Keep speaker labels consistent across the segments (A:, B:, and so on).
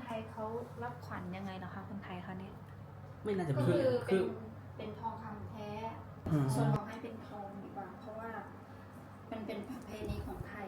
A: ยเขารับขวัญยังไงเหรอคะคนไทยเขาเนี่ย
B: ไม่น่าจะ
C: ก็
B: มี
C: คือเป็นทองคำแท้ส่วนของให้เป็นทองดีกว่าเพราะว่ามันเป็นประเพณีของไทย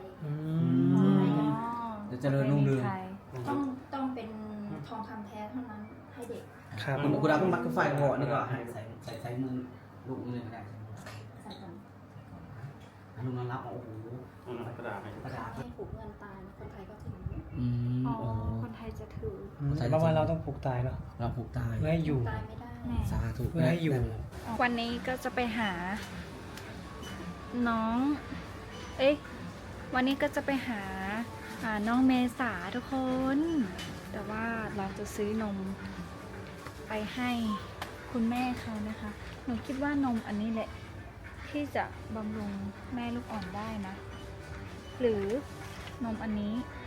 B: จะเจริญรุ่งเรือง
C: ต้องเป็นทองคำแท้เท่านั้นให้เด็ก
D: ครับ
B: คุณดาวก็มัดก็ไฟก่อนนี่ก็ให้ใส่มือลูกมือเลยก็ได้
C: ใส่ก่อน
B: ลุงนอนรับโอ้โห
E: กระดาษให้
B: กระดาษ
C: ให้ผูกเงินตายคนไทยก็ถือ
A: อ๋อ
B: โอ้
A: คนไทยจะถือ
D: เพราะว่าเราต้องผูกตายเนาะ
B: เราผูกตาย
D: เพื่อให้อยู่
C: ตายไม่ได้
A: แม่
B: สาธุ
D: เพื่อให้อยู่
A: วันนี้ก็จะไปหา น้อง วันนี้ก็จะไปหาน้องเมษาทุกคน แต่ว่าเราจะซื้อนมไปให้คุณแม่เขานะคะ หนูคิดว่านมอันนี้แหละ ที่จะบำรุงแม่ลูกอ่อนได้นะ หรือนมอันนี้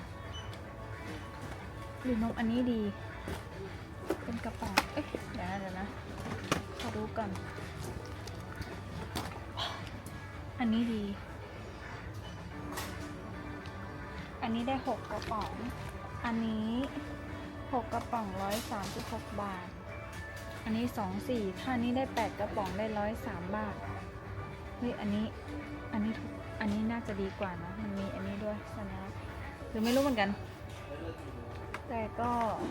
A: หรือนมอันนี้ดี เป็นกระป๋องเดี๋ยวนะขอดูก่อน อันนี้ดี อันนี้ได้6กระป๋อง อันนี้6กระป๋อง136 บาท อันนี้24ถ้านี้ได้8กระป๋องได้103 บาท เฮ้ยอันนี้ถูกอันนี้น่าจะดีกว่านะ มันมีอันนี้ด้วยสัญลักษณ์หรือไม่รู้เหมือนกัน แต่ก็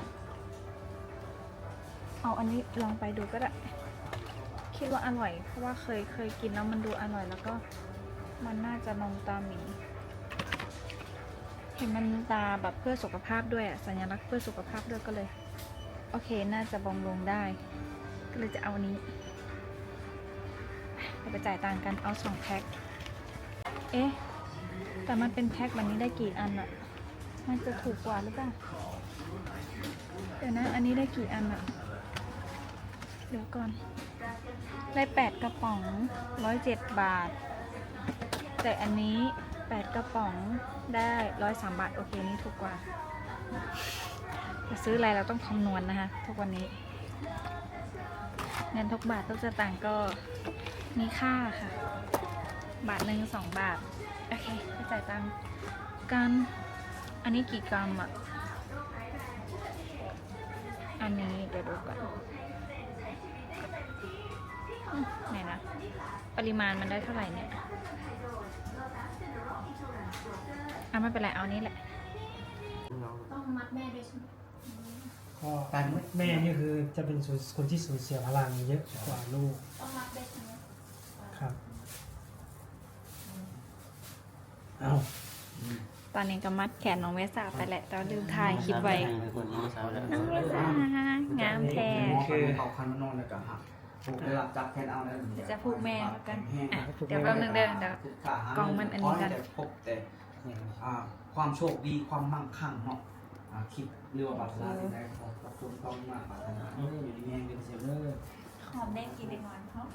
A: เอาอันนี้ลองไปดูก็ได้ คิดว่าอร่อย เพราะว่าเคยกินแล้วมันดูอร่อยแล้วก็มันน่าจะนมตาหมี เห็นมันตาแบบเพื่อสุขภาพด้วยสัญลักษณ์เพื่อสุขภาพด้วยก็เลยโอเคน่าจะบำรุงได้ ก็เลยจะเอานี้ไปจ่ายตังค์กันเอา2แพ็คแต่มันเป็นแพ็คแบบนี้ได้กี่อันอะมันจะถูกกว่าหรือเปล่าเดี๋ยวนะอันนี้ได้กี่อันอะเดี๋ยวก่อนได้8กระป๋อง107 บาทแต่อันนี้8กระป๋องได้103 บาทโอเคนี่ถูกกว่าจะซื้ออะไรเราต้องคำนวณนะคะทุกวันนี้เงินทุกบาททุกสตางค์ก็มีค่าค่ะบาทหนึ่ง2 บาทโอเคไปจ่ายตังค์กันอันนี้กี่กรัมอ่ะอันนี้เดี๋ยวดูก่อนไหนนะปริมาณมันได้เท่าไหร่เนี่ยไม่เป็นไรเอานี้แหละ
C: ต้องมัดแม่ด้วยใช่ไหม
D: ก็แม่นี่คือจะเป็นคนที่สูญเสียพลังเยอะกว่าลูก
C: ต้องมัดด้วยใช่ไหม
D: ครับเอา
A: ตอนนี้ก็มัดแขนน้องเมษาไปแหละแต่ว่าลืมถ่ายคลิปไว้น้องเมษางามแท้
B: คือเอาคันมานอนแล้วก็หักผูกได้หลับจับแทนเอาแล้ว
A: เดี๋ยวจะผูกแม่แล้วกันเดี๋ยวแป๊บนึงเดี๋ยวกล่องมันอันนี้กัน
B: พบแต่ความโชคดีความมั่งคั่งเนาะคิดเรือว่าบัตรลาได้ขอบคุณต้องมากบัตรนะอยู่ในแมงเป็นเซลเลอร์
A: หอมแดงกินในวันหอม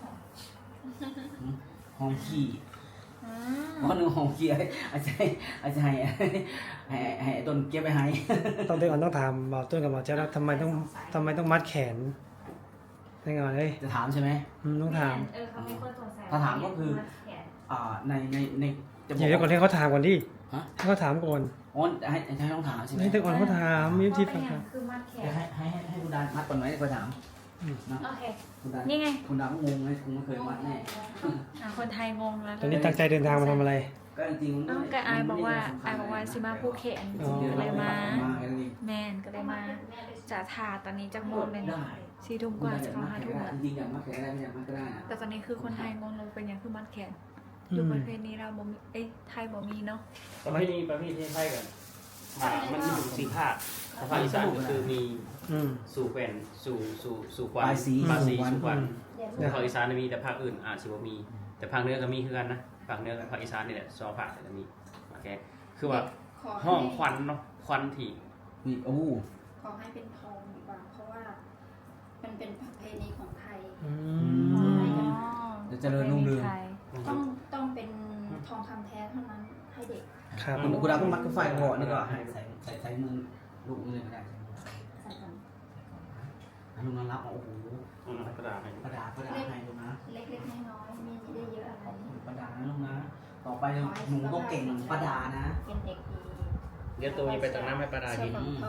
B: หอมขี้เพราะหนึ่งหอมขี้อาจารย์ให้ต้นเก็บไปให้
D: ต้องเดี๋ยวก่อนต้องถามหมอต้นกับหมอเจ้าแล้วทำไมต้องมัดแขนยังไงเลย
B: จะถามใช่ไหม
D: ต้องถาม
A: เขามีคนสงสัย
B: ถ้าถามก็คือในจะบ
D: เดี๋
B: อก
D: ยวก่อนให้เขาถามก่อนดิ
B: ฮะ
D: ให้เขาถามก่อน
B: อ๋อให้ต้องถามใช่ไหม
D: ให้แต่ก่อนเขาถามมีวิธีฟังครับ
A: คือมัดแข
B: เดี๋ยวนให้คุณดานมัดก่อนไหมก็ถามนะ
A: โอเค
B: คุณดาน
A: นี่ไง
B: คุณดานก็งงเลยคุณไม่เคยมัดแน่
A: คนไทยงงแล้ว
D: ตอนนี้ตั้งใจเดินทางมาทำอะไร
B: ก็จริงๆ
A: ก็อายบอกว่าซิมาผู้เขียน
D: อ๋อ
A: ก็เลยมา
B: แค่นั้นเอง
A: แมนก็เลยมาจะทาตอนนี้จะโมงเลย
B: ได้
A: 4 ทุ่มกว่าจะเข้า5 ทุ่มแล้ว
B: จริงๆอย่างมัดแขนได้ไม่อย่างมัดก็ได้นะ
A: แต่ตอนนี้คือคนไทยงงลงเป็นอย่างคือมัดแขนอยู่ประเทศนี้เราบ่มีไทยบ่มีเนาะ
E: ประเภทนี้ไทยกันมันมีอยู่4 ภาคภาคอีสานก็คือมี สู่แผ่นสู่ควันปลายสีสู่ควันภาคอีสานมีแต่ภาคอื่นอาจจะบ่มีแต่ภาคเหนือก็มีคือกันนะภาคเหนือกับภาคอีสานนี่แหละ2 ภาคแต่มีโอเคคือว่าห้องควันเนาะควันที่
B: มีโอ้
C: ขอให้เป็นทองดีกว่าเพราะว่ามันเป็นประเพณีของไทย
B: จะเจริญรุ่งเรือง
C: ต้องเป็นทองคำแท้เท่านั้นให้เด็ก
D: ครับ
B: คุณดาวก็มัดก็ไฟก่อนนี่ก็ให้ใส่มือลูกมือเลยก็ได้
C: ใส่ก่อน
B: ลุงนอนรับโอ้โห
E: กระดาษให้
B: กระดาษให้ลุงนะ
C: เล็กๆน้อยๆมีได้เยอะอะไร
B: ขอบคุณประดานะลุงนะต่อไปหนูต้องเก่งเหมือนประดานะ
C: เป็นเด็กดี
E: เดี๋ยวตัวนี้ไปตักน้ำให้ปลาดา
C: ช่วย
E: กิน
C: ของพ่อแม่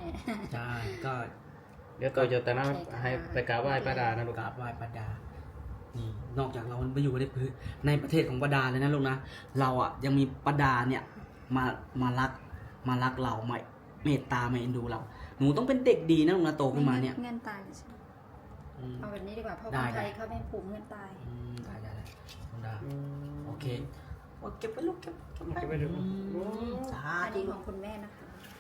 B: ใช่ก็
E: เดี๋ยวต่อจากนั้นให้ไปกราบไหว้ป้าดานะลูก
B: กราบไหว้ป้าดานี่นอกจากเราไปอยู่ในประเทศของป้าดาเลยนะลูกนะเราอ่ะยังมีป้าดาเนี่ยมารักเรามาเมตตามาเอ็นดูเราหนูต้องเป็นเด็กดีนะลูกนะโตขึ้นมาเนี่ย
C: เงินตายเลยใช่ไหม
B: อืม
C: เอาแบบนี้ดีกว่าเพราะ
B: ได้
C: คนไทย
B: ได้
C: เขาไม่ผูกเงินตาย
B: ได้ป้าดาโอเคโอ้เก็บไปลูกเก็บ
E: เก็บไว้ดู
B: สา
C: อัน
B: ธุ
C: นี้ของคุณแม่นะคะ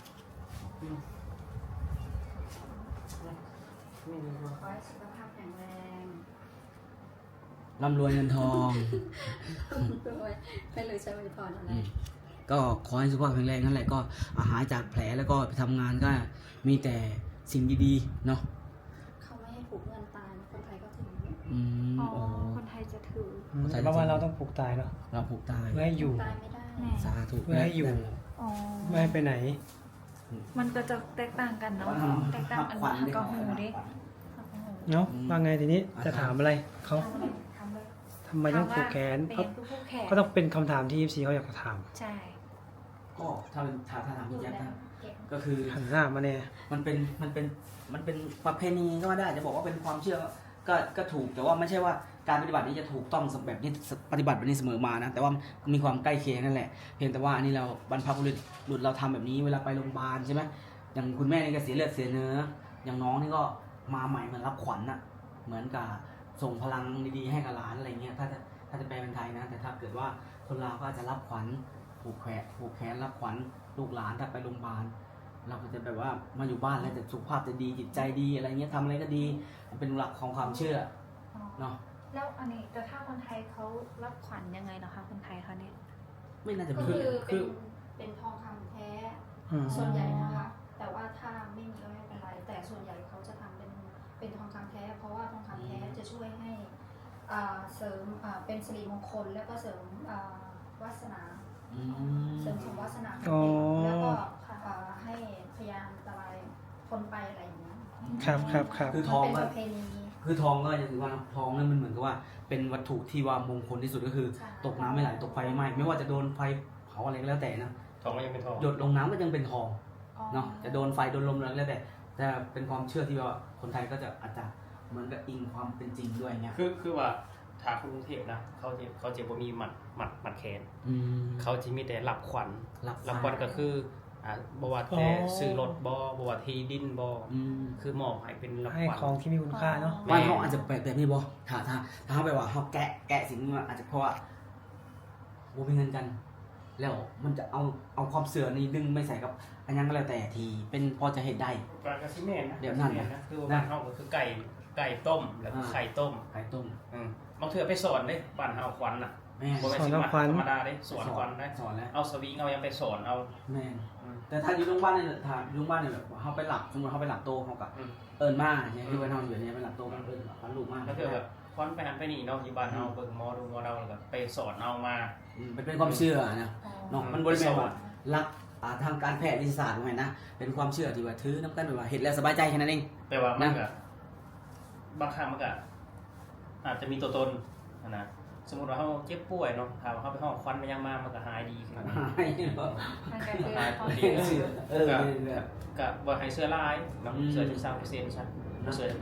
C: ขอให้สุขภาพแข็งแรง
B: ร่ำรวยเงินทอง
C: ด้วยไม่รู้จะอวยพรอะไร
B: ก็ขอให้สุขภาพแข็งแรงนั่นแหละก็หายจากแผลแล้วก็ไปทำงานก็มีแต่สิ่งดีๆเนาะ
C: เขาไม่ให้ผูกเงินตายคนไทยก็ถึง
A: อ๋อ
B: โอ้
A: คนไทยจะถือ
D: เพราะว่าเราต้องผูกตายเนาะ
B: เราผูกตาย
D: เพื่อให้อยู่
C: ตายไม่ได้
A: แม่
B: สาธุ
D: เพื่อให้อยู่
A: อ๋อ
D: ไม่ให้ไปไหน
A: มันก็จะแตกต่างกันเนาะแตกต่างอันหักกับหูดิหักกับหู
D: เนาะว่าไงทีนี้จะถามอะไรเขา
A: ทำเลยทำเลย
D: ทำไมต้องผูกแขน
A: เป็น
D: เขา
A: ผู้แขน
D: ก็ต้องเป็นคำถามที่ FC เขาอยากจะถาม
A: ใช่
B: ก็ถ้าเป็นถ้าถามพี่แจ๊คนะ
C: เก็บ
B: ก็คือ
D: หันหน้ามาเนี่ย
B: มันเป็นประเพณีก็ว่าได้จะบอกว่าเป็นความเชื่อก็ถูกแต่ว่าไม่ใช่ว่าการปฏิบัตินี้จะถูกต้องแบบนี้ปฏิบัติแบบนี้เสมอมานะแต่ว่ามีความใกล้เคียงนั่นแหละเพียงแต่ว่าอันนี้เราบรรพบุรุษเราทำแบบนี้เวลาไปโรงพยาบาลใช่ไหมอย่างคุณแม่นี่ก็เสียเลือดเสียเนื้ออย่างน้องนี่ก็มาใหม่เหมือนรับขวัญน่ะเหมือนกับส่งพลังดีๆให้กับหลานอะไรเงี้ยถ้าจะแปลเป็นไทยนะแต่ถ้าเกิดว่าคนลาวก็อาจจะรับขวัญผูกแขนรับขวัญลูกหลานถ้าไปโรงพยาบาล เราก็จะแบบว่ามาอยู่บ้านแล้วแต่สุขภาพจะดีจิตใจดีอะไรเงี้ยทำอะไรก็ดีมันเป็นหลักของความเชื่อเนาะ
A: แล้วอันนี้แต่ถ้าคนไทยเขารับขวัญยังไงเหรอคะคนไทยเขาเนี่ย
B: ไม่น่าจะ
C: ก็
B: มี
C: คือเป็นทองคำแท้
D: อืม
C: ส่วนใหญ่นะคะ แต่ว่าถ้าไม่มีก็ไม่เป็นไร แต่ส่วนใหญ่เขาจะทำเป็นทองคำแท้ เพราะว่าทองคำแท้จะช่วยให้เสริมเป็นสิริมงคลแล้วก็เสริมวาสนา
B: อืม
C: เสริมสมวาสนาของ
D: อ๋อ
C: เด็กแล้วก็ให้พยานอันตรายพ้นไปอะไรอย่างเงี้ย
D: ครับครับครับ
B: คือ
C: มั
B: ทอง
C: เป็น
B: ก็
C: ประเพณี
B: คือทองก็อย่างที่ว่าเนอะทองนั่นมันเหมือนกับว่าเป็นวัตถุที่ว่ามงคลที่สุดก็คือ
C: ใช่
B: ตกน้ำไม่ไหลตกไฟไม่ไหม้ไม่ว่าจะโดนไฟเผาอะไรก็แล้วแต่นะ
E: ทองก็ยังเป็นทอง
B: หยดลงน้ำก็ยังเป็นทอง
A: อ๋อ
B: เนาะจะโดนไฟโดนลมอะไรก็แล้วแต่เป็นความเชื่อที่ว่าคนไทยก็จะอาจจะเหมือนกับอิงความเป็นจริงด้วยเงี้ย
E: คือว่าทางกรุงเทพนะเขาจะบ่มีหมัดแขน
B: อืม
E: เขาจะมีแต่รับขวัญ
B: รับ
E: รับขวัญก็คือบ่ว่าแต่ซื้อรถบ่ว่าที่ดินบ่
B: อืม
E: คือมอบให้เป็นรับ
D: ให้
E: ขวัญ
D: ของที่มีคุณค่าเนาะ
B: บ้านเขาอาจจะแปลกแบบนี้บ่ถ้าเขาไปว่าเขาแกะสิ่งนี้มาอาจจะเพราะว่าบ่มีเงินกัน แล้วมันจะเอาความเสื่อนี้ดึงไม่ใส่กับอันยังก็แล้วแต่ทีเป็นพอจะเห็นได้
E: ก็สิแม่นนะ
B: เดี๋ยวนั่น
E: สิแม่นะคือว่าบ้านเฮาก็คือไก่ต้มแล้วก็ไข่ต้ม
B: ไข่ต้ม
E: บางเทื่อไปสอนเด้บ้านเฮาขวัญน่ะ
B: แม่
E: บ่แม่นสิมาธรรมดาเด้สอนขวัญได้
B: สอนแล้ว
E: เอาสวิงเอายังไปสอนเอา
B: แม่แต่ถ้าอยู่โรงพยาบาลเนี่ยถ้าอยู่โรงพยาบาลเนี่ยแบบเขาไปหลับสมมติเขาไปหลับโตเขากับ
E: อืม
B: เอิญมาเนี่ยที่วันเฮาอยู่เนี่ยไปหลับโตมันเอิญพันลูกมาก
E: ก็คือแบบขวัญไปหันไปนี่เนาะอยู่บ้านเฮาเบิ่งหมอดูหมอเดาแล้วก็ไปสอนเอามา
B: เป็นความเชื่อนะ
A: อ๋อ
B: เนาะมันบริเวณว่ารักทางการแพทย์วิทยาศาสตร์ไงนะเป็นความเชื่อที่ว่าถือน้ำกันแบบว่าเห็นแล้วสบายใจแค่นั้นเอง
E: แต่ว่ามันก็บางครั้งมันก็อาจจะมีตัวตนนะสมมุติว่าเฮาเจ็บป่วยเนาะถ้าว่าเฮาไปห้องควันมันยังมามันก็หายดีขึ้น
A: มันก็คือความ
E: ดี
A: เชื่อ
B: เออ
E: ก็บ่ให้เสื้อลายเนาะเสื้อ13%ซั่นเสื้อ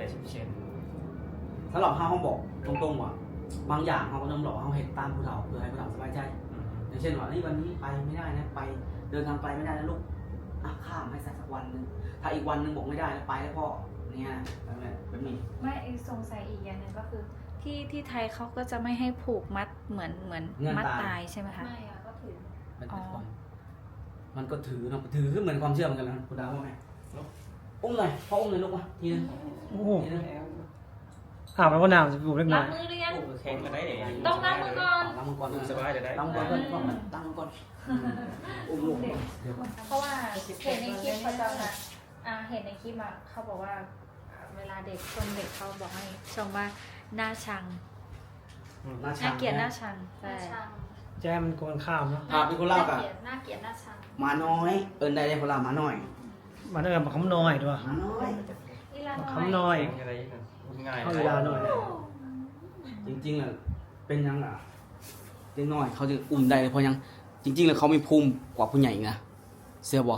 E: 80%
B: สำหรับเขาบอกตรงๆว่าบางอย่างเขาก็ต้องบอกว่าเขาเห็นตามผู้เฒ่าเพื่อให้ผู้เฒ่าสบายใจอย่างเช่นว่านี่วันนี้ไปไม่ได้นะไปเดินทางไกลไม่ได้นะลูกข้ามให้สักวันหนึ่งถ้าอีกวันหนึ่งบอกไม่ได้แล้วไปแล้วพ่อเนี่ยแบบนี้
A: ไม่สงสัยอีกอย่างหนึ่งก็คือที่ไทยเขาก็จะไม่ให้ผูกมัดเหมือนมัดตายใช่ไหมคะ
C: ไม่อะก็ถือ
B: มันเป็นความมันก็ถือเนาะถือขึ้นเหมือนความเชื่อเหมือนกันนะคุณดาวว่าไงอุ้มหน่อยพ่ออุ้มหน่อยลูกมาทีนึง
D: โอ้โห
B: ทีนึง
D: อาบแล้วก็น้ำจะบุบเล็กน้
A: ล้า
D: อง ย
A: มือหรือยัง
E: โอ้แข็งก็ได้เด้
A: ต้องล้างมือก่อน
B: ล้างมือก่อน
E: สบายจะได้
B: ล้างมือก่อนตั้งก่อนอุ้มลูกเดี๋ยว
A: เพราะว่าเห็นในคลิปเขาจะเห็นในคลิปอ่ะเขาบอกว่าเวลาเด็กคนเด็กเขาบอกให้ชมว่าหน้าชังน่าเกลียดหน้าชัง
C: หน้า
A: ใช่
C: ชัง
D: แจ้มันโกนข้ามเนาะ
B: เป็นคนเล่ากับ
C: หน้าเกลียดหน้าชัง
B: หมาน้อยเอิญได้เลยคนละหมาน้อย
D: มาด้วยกันมาคำน้อยด้วย
B: หมาน้อย
A: อีลา
D: มา
A: น้อย
D: คำน้อย
E: แข็งอะไรนั่นง่าย
D: เข้าเวลาหน่อย
B: จริงๆอ่ะเป็นยังอ่ะเด็กน้อยเขาจะอุ้มได้เลยเพราะยังจริงๆแล้วเขามีภูมิกว่าผู้ใหญ่อีกนะเสื้อบ่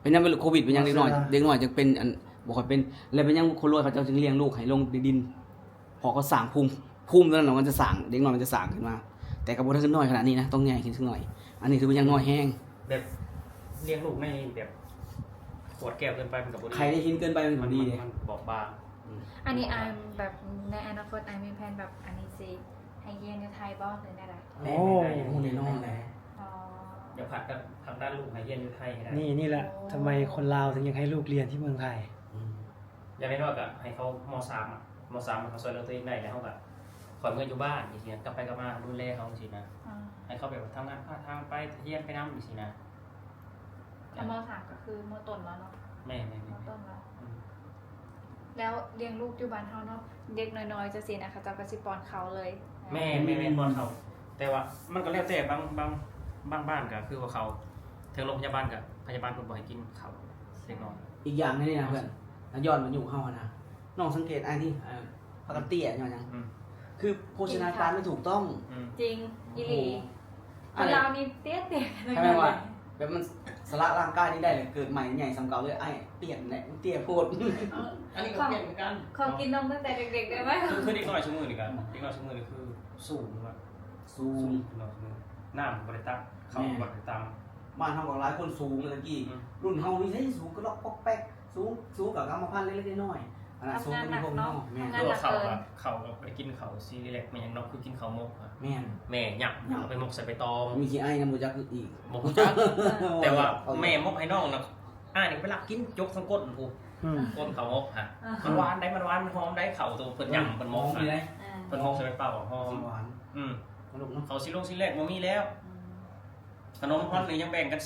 B: เป็นยังเป็นโควิดเป็นยังเด็กน้อยจึงเป็นอันบ่ค่อยเป็นแล้วเป็นยังคนรวยเขาเจ้าจึงเลี้ยงลูกให้ลงดินพอเขาสร้างภูมิตอนนั้นมันจะสร้างเด็กน้อยมันจะสร้างขึ้นมา แต่ก็บ่ได้ขึ้นน้อยขนาดนี้นะต้องใหญ่ขึ้นสักหน่อยอันนี้ถือว่ายังน้อยแห้ง
E: แบบเลี้ยงลูกไม่แบบขวดแก้วเกินไปมันกับบ่ดี
B: ใครได้กินเกินไปมันบ่ดีเลย
E: มันบอบบาง
A: อันนี้อายแบบในอนาคตอายมีแผนแบบอันนี้สิให้เรียนในไทยบ่หรือได้ล่ะ
B: โอ้โหแน่นอนแหละ
A: อ๋อ
E: อย่าผัดกันทางด้านลูกให้เรียนอยู่ไทยให้ได้
D: นี่แหละทำไมคนลาวถึงยังให้ลูกเรียนที่เมืองไทย
E: อย่างน้อยๆก็ให้เขาม.3 อ่ะม.3มันเขาช่วยเหลือตัวเองได้แล้วเขาก็ขอเงินอยู่บ้านอีกทีนะกลับไปกลับมาดูแลเขาสินะ
A: อ่า
E: ให้เขาแบบทำงานพาทางไปเรียนไปน้ำอีกสินะ
A: ถ้ามสามก็คือมต้นแล้วเนาะ
E: แม่
A: มต้นแล้วแล้วเลี้ยงลูกอยู่บ้านเฮาเนาะเด็กน้อยๆจะสินะคะเจ้าก็สิป้อนเขาเลย
E: แม่บอลเขาแต่ว่ามันก็แล้วแต่บางบ้านก็คือว่าเขาถึงโรงพยาบาลกับพยาบาลคนบอกให้กินเขาเล็กน้อย
B: อีกอย่างนึงนี่นะเพื่อนแล้วย้อนมาอยู่เฮาอะนะน้องสังเกตไอ้ที่ปกติอ่ะย้อนยังคือโภชนาการไม่ถูกต้อง
A: จริงอีหลีคนเรานี่เตี้ยๆ
B: ใช่ไหมว่าแบบมันสละร่างกายนี่ได้เลยเกิดใหม่ใหญ่สำเก่าเลยไอ้เปลี่ยนแหละเตี้ยโพด
E: อันนี้ก็เปลี่ยนเหมือนกัน
A: ขอกินนมตั้งแต่เด็กๆได้ไหม
E: คือเด็กน้อยชั่วโมงนี่กันเด็กน้อยชั่วโมงนี่คือสูงมาก
B: สูง
E: น้ำบริตักเขาบริตัก
B: บ้านเฮาก็หลายคนสูงเลยตะกี้รุ่นเฮานี่ใช่สูงก็ลอกปอกแป๊กสูงกับกรรมพันธุ์เล็กๆน้อยๆอันนั้นสูงก็มีพวกน้องแม่น
E: คือเขาไปกินเขาซีเรียกมันยังนอกคือกินเขามก
B: แม่น
E: แม่หยับเอาไปมกใส่ใบตอง
B: มีขี้ไอ้น้ำมูจักอีก
E: มกจักแต่ว่าแม่มกให้น้องนะนี่ไปลักกินยกทั้งก้นกู ก้นเขามกฮะมันหวานได้มันหวานมันหอมได้เขาตัวเพิ่นหยั่งเพิ่นมก
B: มีไร
E: เพิ่นมกใส่ใบเปล่าหอม
B: หวานลูกเนาะ
E: เขาซิแรกบ่มีแล้วขนมพรนี่ยังแบ่งกัน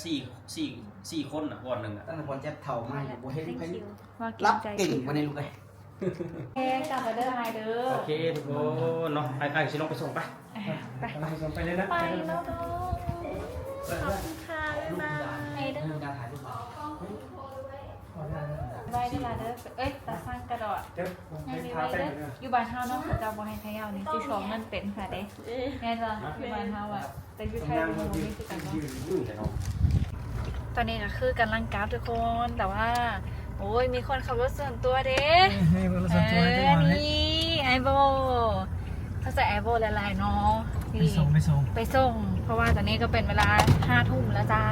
E: 4คนน่ะก่อนนึงอ่ะ
B: ตั้งแต่พอแจ๊บเฒ่ามาบ่เฮ็ดให้
A: ว่า
B: รับ
A: ใจ
B: เก่งกว่าในลูกเลย
A: แค่กลับมาเด้อไฮเด้อ
E: โอเคทุกคนเนาะไอ้สิลงไปส่งไป
A: ไป
D: กำลังส่งไปเลยนะ
A: ไปแล้วเนาะขอบคุณค่ะบ๊ายบายเด้อ
B: ลูกดาถ่ายรูปมา
A: ไว้เวลาเด้อเอ้ยตาสร้างกระดอด
D: เดี๋ยวผม
A: ให้
D: ไป
A: มี
D: พา
A: ไว้
D: ไป
A: เด้อ
D: หน่อย
A: อยู่บ้านเฮาเนาะเขาจะบ่ให้ขยาวนี่สิชองเงินเป็นค่ะเด้แน่จ้ะอยู่บ้านเฮาอ่ะแต่อยู่ไทยบ่มีคือกันเนาะ
E: เนาะ
A: ตอนนี้ก็คือกำลังกราฟทุกคนแต่ว่าโอ้ยมีคนขับรถส่วนตัวเด้
D: ให้บริษัทตัวให้ก่อนเลย
A: นี่ไอโบเขาใส่ไอโบหลายๆเนาะ
D: ไปส่ง
A: ไปส่ง เพราะว่าตอนนี้ก็เป็นเวลา5 ทุ่มแล้วจ้า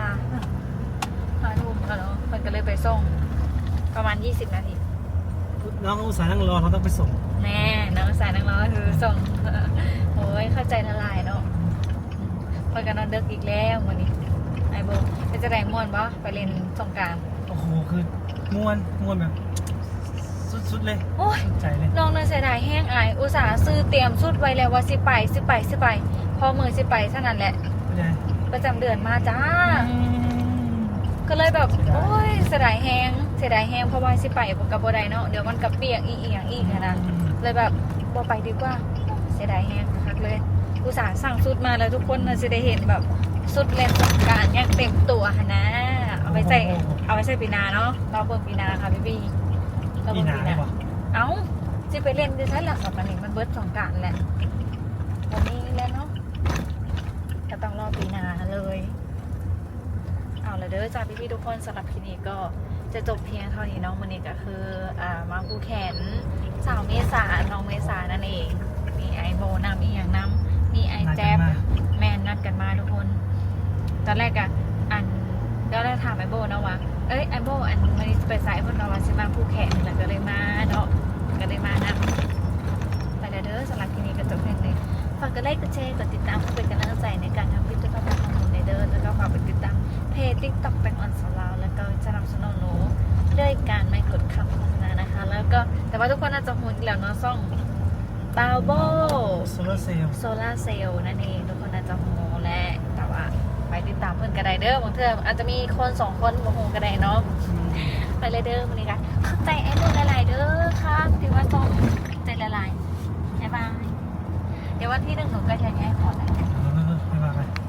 A: 5 ทุ่มแล้วเนาะมันก็เลยไปส่งประมาณ20 นาที
D: น้องอุตส่าห์นั่งรอเขาต้องไปส่ง
A: แน่น้องสายนักร้องคือส่ง โอ้ยเข้าใจละลายเนาะพอกันนอนเดึกอีกแล้ววันนี้ไอโบไปจะแรงม่วนปะไปเล่นสงกรานต์
D: โอ้โหคือม่วนแบบสุดเลย
A: โอ้ย
D: ใจเลย
A: น้องเนยเสียดายแห้งอายอุตส่าห์ซื้อเตรียมสุดไว้แล้วว่าสิไปพอมือสิไปเท่านั้นแหละ
D: ไม่ได้
A: ประจำเดือนมาจ้า ก็เลยแบบโอ้ยเสียดายแห้งเพราะว่าสิไปกับบ่ได้เนาะเดี๋ยวมันกับเปียกอีกอย่างอีกนะเลยแบบบ่ไปดีกว่าเสียดายแห้งคักเลยอุตส่าห์สั่งสุดมาแล้วทุกคนน่ะจะได้เห็นแบบสุดเล่นสงกรานต์อย่างเต็มตัวหั่นนะเอาไปใส่ปีหนาเนาะเราเบิ่งปีหนาค่ะพี่เรา
D: ปี
A: เบิ่ง
D: หนา
A: ปีห
D: ได้
A: นา
D: ปะ
A: เอ้าจะไปเล่นดิฉันหลักสัปดาห์นี้มันเบิดสงกรานต์แหละวันนี้แล้วเนาะก็ต้องรอปีหนาเลยเอาละเด้อจ้าพี่ๆทุกคนสำหรับคลิปนี้ก็จะจบเพียงเท่านี้เนาะวันนี้ก็คือมาผูแขนสาวเมษาน้องเมษานั่นเองมีไอโบนำอีกอย่างนำมีไอแจ๊บแมนนัดกันมาทุกคนตอนแรกอะก็ได้ถามไอโบนะว่าเอ้ยไอโบมันไปสายพนเราว่าสิมาผูแขนแล้วก็เลยมาเนาะก็เลยมานะไปเด้อสำหรับคลิปนี้ก็จบเพียงเลยฝากกดไลค์กดแชร์กดติดตามเพื่อเป็นกำลังใจในการทำคลิปจะเข้ามาทำในเด้อแล้วก็ฝากไปติดตามเพจ TikTok แตงออนสลาวแล้วก็สนับสนุนหนูด้วยการไม่กดคำโฆษณานะคะแล้วก็แต่ว่าทุกคนน่าจะหุ่นแล้วเนาะซ่องบาโบ
D: โซลาร์เซลล์
A: โซลาเซลล์นั่นเองทุกคนน่าจะโหแหละแต่ว่าไปติดตามเพื่อนกระไดเด้อบางเทื่ออาจจะมีคน2 คนโหกระไดเนาะไปเลยเด้อวันนี้กันเข้าใจไอ้พวกละลายเด้อครับที่ว่าซ่องใจละลายบ๊ายบายเดี๋ยววันที่ 1หนูก็จะย้ายขอแล้ว
D: ไม่ว่ากัน